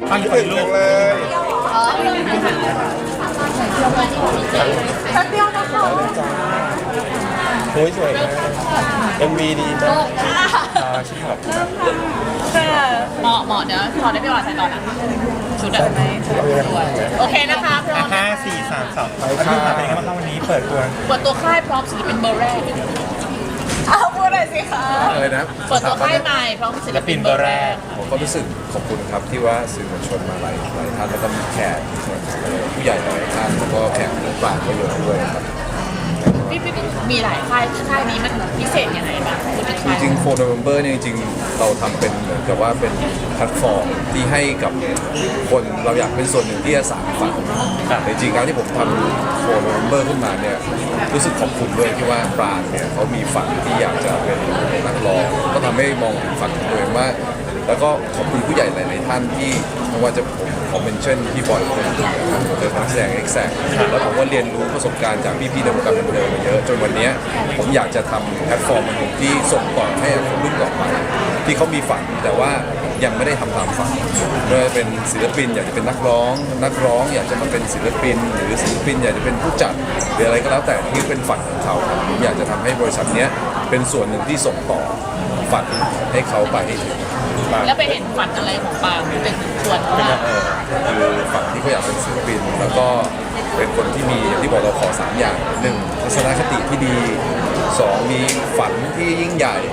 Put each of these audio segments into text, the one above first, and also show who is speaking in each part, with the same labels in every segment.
Speaker 1: ฟังฝันลูก
Speaker 2: เลย
Speaker 3: แป๊บเดียวนะคะ
Speaker 2: โอ้ยสวยมาก MV ดีมากชิคครับ
Speaker 4: เหมาะเดี๋ยวขอได้พี่วาใส่ต่อนะชุดอะโอเคนะคะพร้อม
Speaker 1: 5 4 3 2แล้วพี่เป็นไงบ้างวันนี้เปิดตัว
Speaker 4: ค่ายพร้อมศิลปินเบอร์แรก
Speaker 3: เอาพูดหน่อยสิคะ
Speaker 5: อะไรนะ
Speaker 4: เปิดตัวค่ายใหม่พร้อมศิลปินเบอร์แรก
Speaker 5: ผมก็รู้สึกขอบคุณครับที่ว่าสื่อมวลชนมาหลายท่านแล้วก็มีแขกผู้ใหญ่หลายท่านแล้วก็แขกผู้กลางก็เยอะด้วยครับ
Speaker 4: พี่มีหลายค่ายนี้มันพิเศษยังไงบ้างที่เป็นค่าย
Speaker 5: จริงๆ4 November เนี่ยจริงๆเราทำเป็นเหมือนกับว่าเป็นแพลตฟอร์มที่ให้กับคนเราอยากเป็นส่วนหนึ่งที่จะสานฝันแต่จริงๆการที่ผมทำ4 November ขึ้นมาเนี่ยรู้สึกขอบคุณด้วยที่ว่าปรางเนี่ยเขามีฝันที่อยากจะเป็นนักร้องก็ทำให้มองถึงฝันของตัวเองว่าแล้วก็ขอบคุณผู้ใหญ่หลายๆท่านที่ไม่ว่าจะผมขอเมนชั่นพี่บอยคนเดียวเป็นนักแสดงเอ็กแซกแล้วผมก็เรียนรู้ประสบการณ์จากพี่ๆในวงการบันเทิงมาเยอะจนวันนี้ผมอยากจะทำแพลตฟอร์มหนึ่งที่ส่งต่อให้คนรุ่นต่อไปที่เขามีฝันแต่ว่ายังไม่ได้ทำตามฝันเมื่อเป็นศิลปินอยากจะเป็นนักร้องอยากจะมาเป็นศิลปินหรือศิลปินอยากจะเป็นผู้จัดหรืออะไรก็แล้วแต่ที่เป็นฝันของเขาผมอยากจะทำให้บริษัทนี้เป็นส่วนหนึ่งที่ส่งต่อฝันให้เขาไปให้ถึง
Speaker 4: แล้วไปเห็นฝันอะไรของปางเป็นส่วนว่า
Speaker 5: คือฝั่งที่เขาอยากเป็นศิลปินแล้วก็เป็นคนที่มีอย่างที่บอกเราขอ3อย่าง1ทัศนคติที่ดี2มีฝันที่ยิ่งใหญ่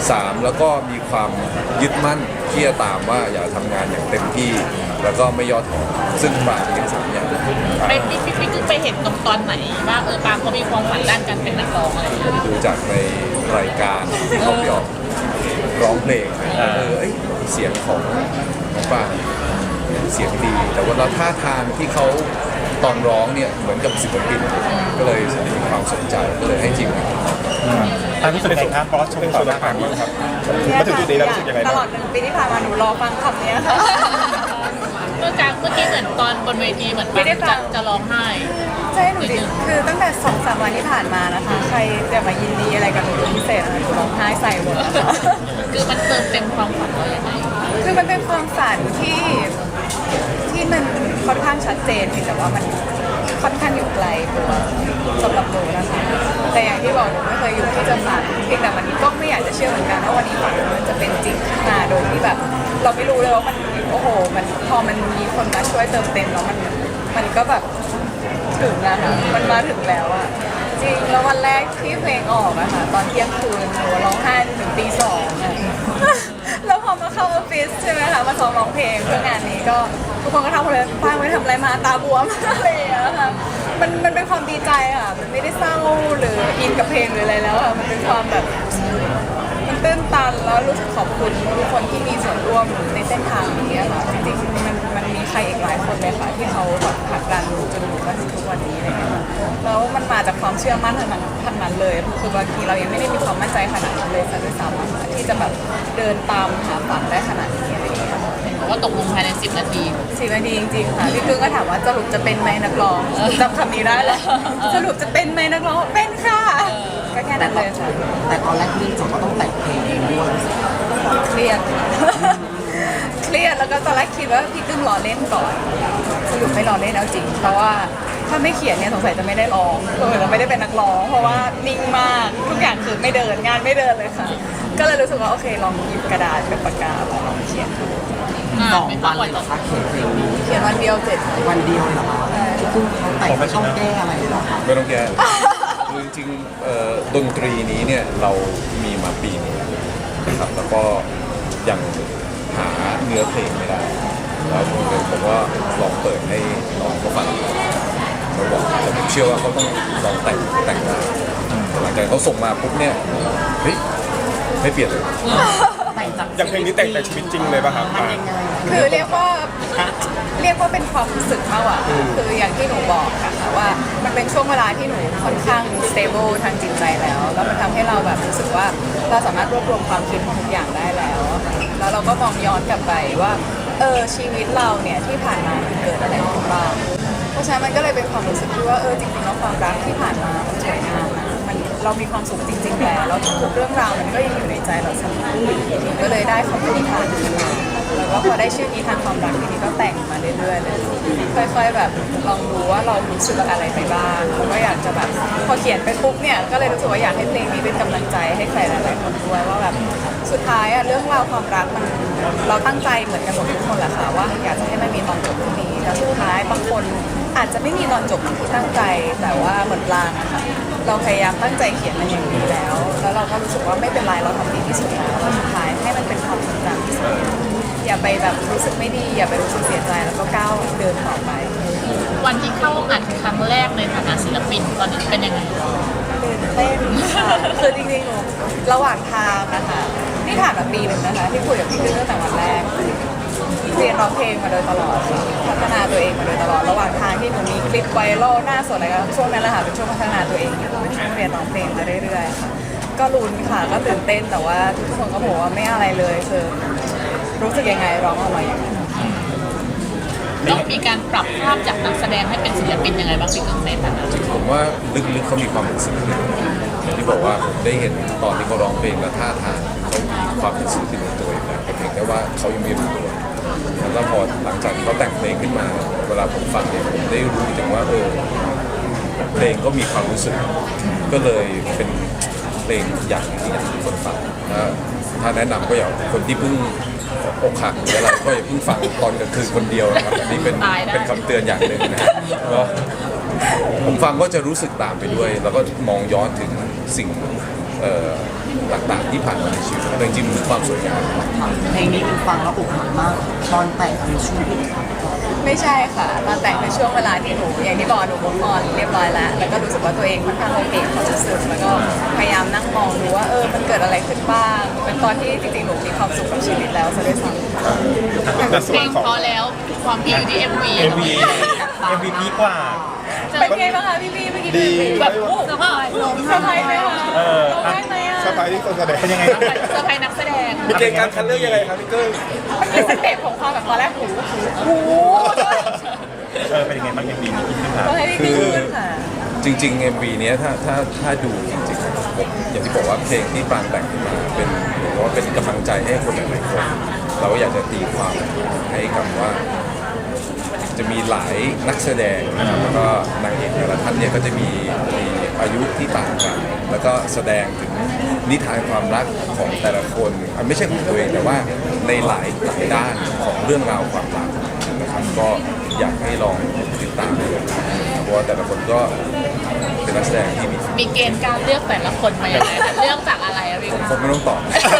Speaker 5: 3แล้วก็มีความยึดมั่นที่จะตามว่าอยากทำงานอย่างเต็มที่แล้วก็ไม่ย่อท้อซึ่งปางมีทั้ง3อย่าง
Speaker 4: ไปพี่กึ้งไปเห็นตอนไหนว่าปางเขามีความฝันด้านการเป็นนักร้องอะไรอย่างเงี้ย
Speaker 5: ดูจากในรายการที่เขาไปออกร้องเพลงเสียงของน้องปางเสียงดี แต่ว่าท่าทางที่เขาตอนร้องเนี่ยเหมือนกับศิลปินก็เลยมีความสนใจก็เลยให้จริง
Speaker 1: ตามรู้สึกไงครับบอสชมต่อมาครับ
Speaker 2: มาถึงจุดนี้แล้วรู้สึกยังไง
Speaker 3: ต
Speaker 2: บ้าง
Speaker 3: ลอด1 ปีที่ผ่านมาหนูรอฟังคำนี้ค่ะ
Speaker 4: เมื่อกี้เหมือนตอนบนเวทีเหมือน
Speaker 3: ไม่ได้ฟัง
Speaker 4: จะร้องไห้
Speaker 3: ใช่หนูดิคือตั้งแต่2-3 วันที่ผ่านมานะคะ ใครจะมายินดีอะไรกับหนูเป็นพิเศษอะไรหนูร้องไห้ใส่หมดนะคะ
Speaker 4: คือมันเติมเต็มความฝันเราอย่างไร
Speaker 3: คือมันเป็นความฝันที่มันค่อนข้างชัดเจนเพียงแต่ว่ามันค่อนข้างอยู่ไกลตัวสำหรับหนูนะคะแต่อย่างที่บอกหนูไม่เคยอยู่ที่จะฝันเพียงแต่วันนี้ก็ไม่อยากจะเชื่อเหมือนกันว่าวันนี้ฝันมันจะเป็นจริงขึ้นมาโดยที่แบบ เราไม่รู้เลยว่ามันโอ้โหมันพอมันมีคนมาช่วยเติมเต็มแล้วมันก็แบบถึงนะคะมันมาถึงแล้วอะจริงแล้ววันแรกที่เพลงออกอะค่ะตอนเที่ยงคืนหนูร้องไห้จนถึงตี 2อะ แล้วพอมาเข้าออฟฟิศใช่ไหมคะมาซ้อมร้องเพลงเพื่องานนี้ก็ทุกคนก็ทำเลยป้าไม่ทำอะไรมาตาบวม อะไรอย่างเงี้ยค่ะมันเป็นความดีใจค่ะมันไม่ได้เศร้าหรืออินกับเพลงหรืออะไรแล้วค่ะมันเป็นความแบบมันตื้นตันแล้วรู้สึกขอบคุณทุกคนที่มีส่วนร่วมในเส้นทางนี้อะค่ะจริงๆมันมีใครอีกหลายคนเลยค่ะที่เขาแบบผลักดันจนมาถึงทุกวันนี้อะไรเงี้ยค่ะแล้วมันมาจากความเชื่อมั่นทั้งนั้นเลยคือบางทีเรายังไม่ได้มีความมั่นใจขนาดนั้นเลยซะด้วยซ้ำอะค่ะที่จะแบบเดินตามหาฝันได้ขนาดนี้อะไรเงี้ย
Speaker 4: ว่าตกลงภายใน10 นาที
Speaker 3: 10 นาทีจริงๆค่ะพี่กึ้งก็ถามว่าสรุปจะเป็นไหมนักร้องจำคำนี้ได้แล้วสรุปจะเป็นไหมนักร้องเป็นค่ะก็แค่นั้นเลยค่ะ
Speaker 6: แต่ตอนแรกที่จบก็ต้องแต่งเพลงเองด้วย
Speaker 3: เครียด เครียดแล้วก็ตอนแรกคิดว่าพี่กึ้งรอเล่นก่อนสรุปไม่รอเล่นเอาจริงเพราะว่าถ้าไม่เขียนเนี่ยสงสัยจะไม่ได้ร้องเราไม่ได้เป็นนักร้องเพราะว่านิ่งมากทุกอย่างคือไม่เดินงานไม่เดินเลยค่ะ ก็เลยรู้สึกว่าโอเคลองหยิบกระดาษกับปากกาลองเขียนดู
Speaker 6: 2 วันเลยเหรอคะเขียนเพลงนี้
Speaker 3: เขียนวันเดียว7
Speaker 6: วันเดียวเลยเหรอคะที่คุณเขาแต่งไม่ต้องแก้อะไรเลยเหรอคะ
Speaker 5: ไม่ต้องแก้คือจริงๆดนตรีนี้เนี่ยเรามีมาปีนึงนะครับแล้วก็ยังหาเนื้อเพลงไม่ได้แล้วผมก็ลองเปิดให้น้องเขาฟังเขาบอกแต่ผมเชื่อว่าเขาต้องลองแต่งได้หลังจากเขาส่งมาปุ๊บเนี่ยเฮ้ยไม่เปลี่ยนเลย
Speaker 6: แต่งจาก
Speaker 2: อย่างเพลงนี้แต่งแต่ชีวิตจริงเลยป่ะครับ
Speaker 6: มันยังไง
Speaker 3: คือเรียกว่าเป็นความรู้สึกมากกว่าคืออย่างที่หนูบอกค่ะว่ามันเป็นช่วงเวลาที่หนูค่อนข้าง stable ทางจิตใจแล้วมันทำให้เราแบบรู้สึกว่าเราสามารถรวบรวมความคิดของทุกอย่างได้แล้วอะค่ะแล้วเราก็มองย้อนกลับไปว่าชีวิตเราเนี่ยที่ผ่านมามันเกิดอะไรขึ้นบ้างเพราะฉะนั้นมันก็เลยเป็นความรู้สึกที่ว่าจริงๆแล้วความรักที่ผ่านมามันสวยงามนะเรามีความสุขจริงๆแล้วทุกเรื่องราวมันก็ยังอยู่ในใจเราเสมอก็เลยได้คำอธิษฐานขึ้นมาแล้วก็พอได้ชื่อนี้ทางความรักทีนี้ก็แต่งมาเรื่อยๆเลยค่อยๆแบบลองดูว่าเรารู้สึกอะไรไปบ้างแล้วก็อยากจะแบบพอเขียนไปปุ๊บเนี่ยก็เลยรู้สึกว่าอยากให้เพลงนี้เป็นกำลังใจให้ใครหลายๆคนด้วยว่าแบบสุดท้ายอะเรื่องราวความรักมันเราตั้งใจเหมือนกันหมดทุกคนแหละค่ะว่าอยากจะให้มันมีตอนจบที่ดีแล้วสุดท้ายบางคนอาจจะไม่มีตอนจบที่ตั้งใจแต่ว่าเหมือนปลางอะค่ะเราพยายามตั้งใจเขียนมันอย่างดีแล้วเราก็รู้สึกว่าไม่เป็นไรเราทำดีที่สุดแล้วแล้วสุดท้ายให้มันเป็นความทรงจำที่สุดอย่าไปแบบรู้สึกไม่ดีอย่าไปรู้สึกเสียใจแล้วก็ก้าวเดินต่อไป
Speaker 4: วันที่เข้าอัดครั้งแรกในฐานะศิลปินตอนนั้นเป็นยังไง
Speaker 3: ตื่นเต้นค่ะคือจริงๆหนูระหว่างทางนะคะนี่ผ่านมาปีหนึ่งนะคะที่คุยกับพี่กึ้งตั้งแต่วันแรกเรียนร้องเพลงมาโดยตลอดค่ะพัฒนาตัวเองมาโดยตลอดระหว่างทางที่หนูมีคลิปไวรัลหน้าสดอะไรก็ช่วงนั้นแหละค่ะเป็นช่วงพัฒนาตัวเองอยู่เป็นช่วงเรียนร้องเพลงมาเรื่อยๆค่ะก็ลุ้นค่ะก็ตื่นเต้นแต่ว่าทุกคนก็บอกว่าไม่อะไรเลยคือรู้สึกยังไงร้องออกมาอย่างนั้น
Speaker 4: ต้องมีการปรับภาพจากนักแสดงให้เป็นศิลปินยังไงบ้างพี่กึ้งในฐานะ
Speaker 5: ผมว่าลึกๆเขามีความเป็นศิลปินอย่างที่บอกว่าผมได้เห็นตอนที่เขาร้องเพลงและท่าทางเขามีความเป็นศิลปินในตัวอยู่แล้วแต่เพียงแต่ว่าเขายังไม่รู้ตัวแล้วพอหลังจากที่เขาแต่งเพลงขึ้นมา เวลาผมฟังเนี่ยผมได้รู้ถึงว่าเพลงก็มีความรู้สึกก็เลยเป็นเพลงอย่างที่อยากให้คนฟังถ้าแนะนำก็อยากคนที่เพิ่งอกหักหรืออะไรก็อย่าเพิ่งฟังตอนกลางคืนคนเดียวนะครับอันนี้เป็นคำเตือนอย่างหนึ่งนะก็ผมฟังก็จะรู้สึกตามไปด้วย แล้วก็มองย้อนถึงสิ่งต่างๆที่ผ่านมาในชีวิตแต่จริงๆมีความสวยงาม
Speaker 6: เพลงนี้เป็นฟังแล้วอกหักมากตอนแต่งในช่วงที่
Speaker 3: ไม่ใช่ค่ะตอนแต่งเป็นช่วงเวลาที่หนูอย่างที่บอกหนูมุกออนเรียบร้อยแล้วแล้วก็รู้สึกว่าตัวเองค่อนข้างโอเคความรู้สึกแล้วก็พยายามนั่งมองดูว่ามันเกิดอะไรขึ้นบ้างเป็นตอนที่จริงๆหนูมีความสุขกับชีวิตแล้วซะด้วยซ้ำ
Speaker 1: ในส่
Speaker 4: เพ
Speaker 1: ว
Speaker 4: ล
Speaker 1: น
Speaker 4: ง
Speaker 1: ของ
Speaker 4: พอแล้วความพี่อยู่ที่ MV
Speaker 1: MV พีกว่า
Speaker 3: เป็นไงบ้างคะพี่เมื่อกี้
Speaker 1: ดี
Speaker 4: แบบโอ้สบาย
Speaker 3: ลงสบายไหมคะลงได้ไหมอ่ะ
Speaker 1: สบายที่คนแสดงเป็นยังไงบ้าง
Speaker 4: เซอร์ไพรส์นักแสดง
Speaker 2: มีเกณฑ์การคัดเลือกยังไงครับพี่เกิ้ง
Speaker 3: มันเป็นสเต็ปของความแบบตอนแรกหู
Speaker 1: เป็นยังไงบ้าง MV นี้ที่ขึ้นมา
Speaker 3: ต้องให้พี่พูดค่ะ
Speaker 5: จริงๆ MV เนี้ยถ้าดูจริงๆผมอย่างที่บอกว่าเพลงที่ปรางแต่งขึ้นมาเป็นเหมือนกับว่าเป็นกำลังใจให้คนหลายๆคนเราก็อยากจะตีความให้กับว่า จะมีหลายนักแสดงนะครับแล้วก็นางเอกแต่ละท่านเนี่ยก็จะมีอายุที่ต่างกันแล้วก็แสดงถึงนิทานความรักของแต่ละคนไม่ใช่ของตัวเองแต่ว่าในหลายด้านของเรื่องราวความรักนะครับก็อยากให้ลองติดตามดูเพราะว่าแต่ละคนก็เป็นนักแสดงที่
Speaker 4: มีเกณฑ์การเลือกแต่ละคนมาอย่างไรเลือกจากอะไรอะพี่
Speaker 5: ผมไม่ต้องตอบ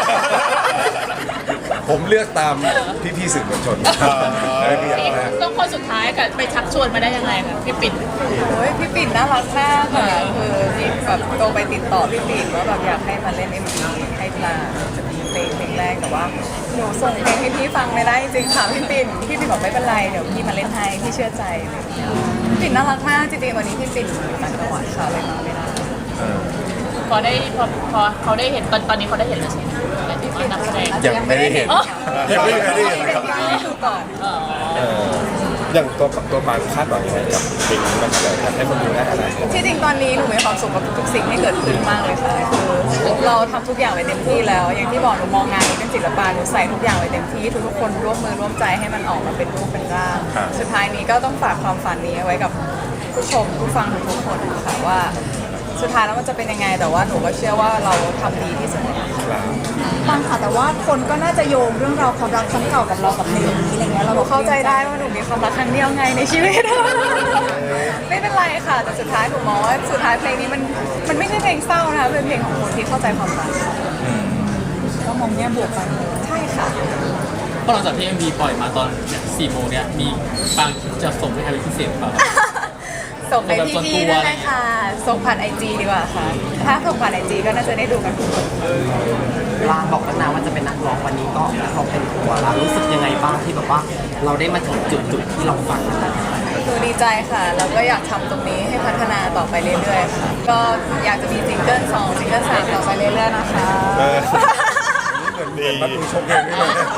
Speaker 5: ผมเลือกตามพี่ๆสื่อมวลชนได้พี่อย่างแรก
Speaker 4: ต้องคนสุดท้ายกับไปชักชวนมาได้ยังไงคะพี่ปิ่น
Speaker 3: โอ้ยพี่ปิ่นน่ารักมากค่ะคือมีแบบโทรไปติดต่อพี่ปิ่นว่าแบบอยากให้มาเล่น MV ให้ปลาจะมีเพลงแรกแต่ว่าหนูส่งเพลงให้พี่ฟังไม่ได้จริงค่ะพี่ปิ่นบอกไม่เป็นไรเดี๋ยวพี่มาเล่นให้พี่เชื่อใจอะไรอย่างเงี้ยพี่ปิ่นน่ารักมากจริงๆวันนี้พี่ปิ่นอยู่ต่างจังหวัดค่ะเลยมาไม่ได้
Speaker 4: พอเขาได้เห็นตอนนี้เขาได้เห็นแล้วใช่ไหมที่ว่านักแสดง
Speaker 5: ยังไม่ได้เห็น
Speaker 2: ยังไม่ได้เห็นครับ
Speaker 3: ดูก่อน
Speaker 2: อย่างตัวปางคาดหวังยังไงกับเพลงนี้นะครับอยากให้คนดูได้อะไร
Speaker 3: ที่จริงตอนนี้หนูมีความสุขกับทุกสิ่งที่เกิดขึ้นมากเลยค่ะคือเราทำทุกอย่างไว้เต็มที่แล้ว อย่างที่บอกหนูมองงานนี้เป็นศิลปะหนูใส่ทุกอย่างไว้เต็มที่ทุกคนร่วมมือร่วมใจให้มันออกมาเป็นรูปเป็นร่างสุดท้ายนี้ก็ต้องฝากความฝันนี้ไว้กับผู้ชมผู้ฟังทุกคนค่ะว่าสุดท้ายแล้วมันจะเป็นยังไงแต่ว่าหนูก็เชื่อว่าเราทำดีที่สุดแล้ว
Speaker 7: บางค่ะแต่ว่าคนก็น่าจะโยงเรื่องราวความรักครั้งเก่ากับเรากับเพลงนี้อะไรเงี้ยเราบอก
Speaker 3: เข้าใจได้ว่าหนูมีความรักครั้งเดียวไงในชีวิต ไม่เป็นไรค่ะ แต่สุดท้ายหนูมองว่าสุดท้ายเพลงนี้มันไม่ใช่เพลงเศร้านะคะเป็นเพลงของคนที่เข้าใจความรัก
Speaker 7: ก็มองแง่บวกไป
Speaker 3: ใช่ค่ะ
Speaker 8: พอหลังจากที่ MV ปล่อยมาตอน4 โมงเนี่ยมีบางจะส่งให้ใครเป็นพิเศษหรือเปล่า
Speaker 3: ส่งไปพี่ๆนั่นแหละค่ะส่งผ่านไอจีดีกว่าค่ะ ถ้าส่งผ่านไอจีก็น่าจะได้ดูกันทุกคน
Speaker 6: ลางบอกแล้วนะว่าจะเป็นนักร้องวันนี้ก็เขาเป็นตัวเรารู้สึกยังไงบ้างที่แบบว่าเราได้มาถึงจุดที่เราฝันแล้ว
Speaker 3: หนูดีใจค่ะแล้วก็อยากทำตรงนี้ให้พัฒนาต่อไปเรื่อยๆค่ะก็อยากจะมีซิงเกิล2ซิงเกิล3ต่อไปเรื่อยๆนะคะ
Speaker 2: เหมือนดี
Speaker 5: มันดูชมเพลงนี้เลย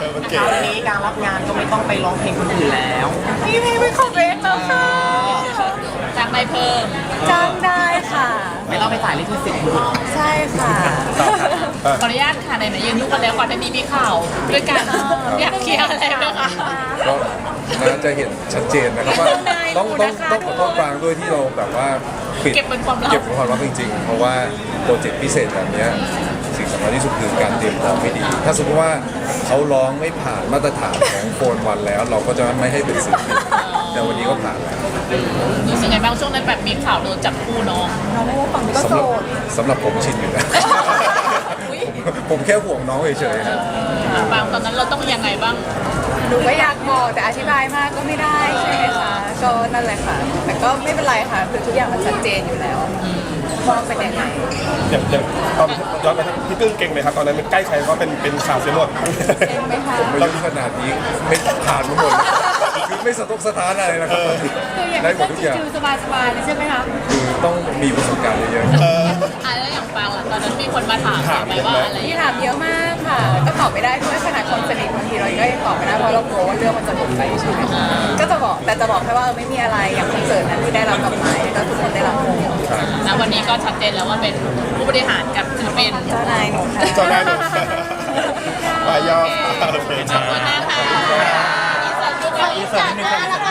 Speaker 2: มัน
Speaker 6: ค
Speaker 2: เก๋
Speaker 6: ราวนี้การรับงานก็ไม่ต้องไปร้องเพลงคนอื่นแล้ว
Speaker 3: มีเพลงเป็นของตัวเองแล้วค่ะ
Speaker 4: จ้างได้เพิ่ม
Speaker 3: จ้างได้ค่ะ
Speaker 6: ไม่ต้องไปจ่ายลิขสิทธิ์คุณ
Speaker 3: ใช่ค่ะ
Speaker 4: ขออนุญาตค่ะไหนๆยืนยุ่งกันแล้วก่อนหน้านี้มีข่าวด้วยกันอยากเคลียร์อะไรไหมคะ
Speaker 5: ก็น่าจะเห็นชัดเจนนะครับว่าต้องขอโทษปรางด้วยที่เราแบบว่าปิด
Speaker 4: เก็บเป็นความลับ
Speaker 5: เก็บเป็นความลับจริงๆ เพราะว่าโปรเจกต์พิเศษแบบเนี้ยสิ่งสำคัญที่สุดคือการเตรียมพร้อมไม่ดี ถ้าสมมติว่าเขาร้องไม่ผ่านมาตรฐานของโฟนวันแล้ว เราก็จะไม่ให้เป็นศิลปินแต่วันนี้ก็ผ่านแล้ว
Speaker 4: รู้สึกไงบ้างช่วงนั้นแบบมีข่าวโดนจับคู่น้อง
Speaker 7: น้องโมฝั่งนี้ก็โสด
Speaker 5: สำหรับผมชินอยู่แล้ว ผมแค่ห่วงน้องเฉยๆนะ
Speaker 4: บางตอนนั้นเราต้องยังไงบ้าง
Speaker 3: หนูก็อยากบอกแต่อธิบายมากก็ไม่ได้ใช่ไหมคะก็นั่นแหละค่ะ แต่ก็ไม่เป็นไรค่ะคือทุกอย่างมันชัดเจนอยู่แล้วว่าเป็นยังไง
Speaker 2: อย่างตอนย้อนไปทางพี่กึ้งเก่งไหมครับตอนนั้นใกล้ใครก็เป็นข่าวเสียหมด
Speaker 3: เห็นไหมคะ
Speaker 5: ผมไม่รู้ขนาดนี้ไม่ผ่านมาหมดคือไม่สะทกสะท้านอะไรนะครับได้หมดทุกอย่าง
Speaker 4: คือสบายๆเลยใช่ไหมคะ
Speaker 5: คือต้องมีประสบการณ์เยอะๆ
Speaker 4: แล้วอย่างปางล่ะตอนนั้นมีคนมาถามไหมว่าอะไร
Speaker 3: ที่ถามเยอะมากค่ะ ก็ตอบไม่ได้ด้วยขนาดคนสนิทบางทีเราก็ยังตอบไม่ได้เพราะเรากลัวว่าเรื่องมันจะหลุดไปใช่ไหมคะก็จะบอกแต่จะบอกแค่ว่าไม่มีอะไรอย่างคอนเสิร์ตนั้นที่ได้รับกลับไม้ก็ทุกคนได้รับหมด
Speaker 4: ณวันนี้ก็ชัดเจนแล้วว่าเป็นผู้บริหารกับศิลปิน
Speaker 3: เจ้านายหนูค่ะ
Speaker 2: เจ้านายหนูมายอดโอเค
Speaker 4: ขอบคุณมากค่ะ
Speaker 1: อีกส่วนนิดนึงค่ะ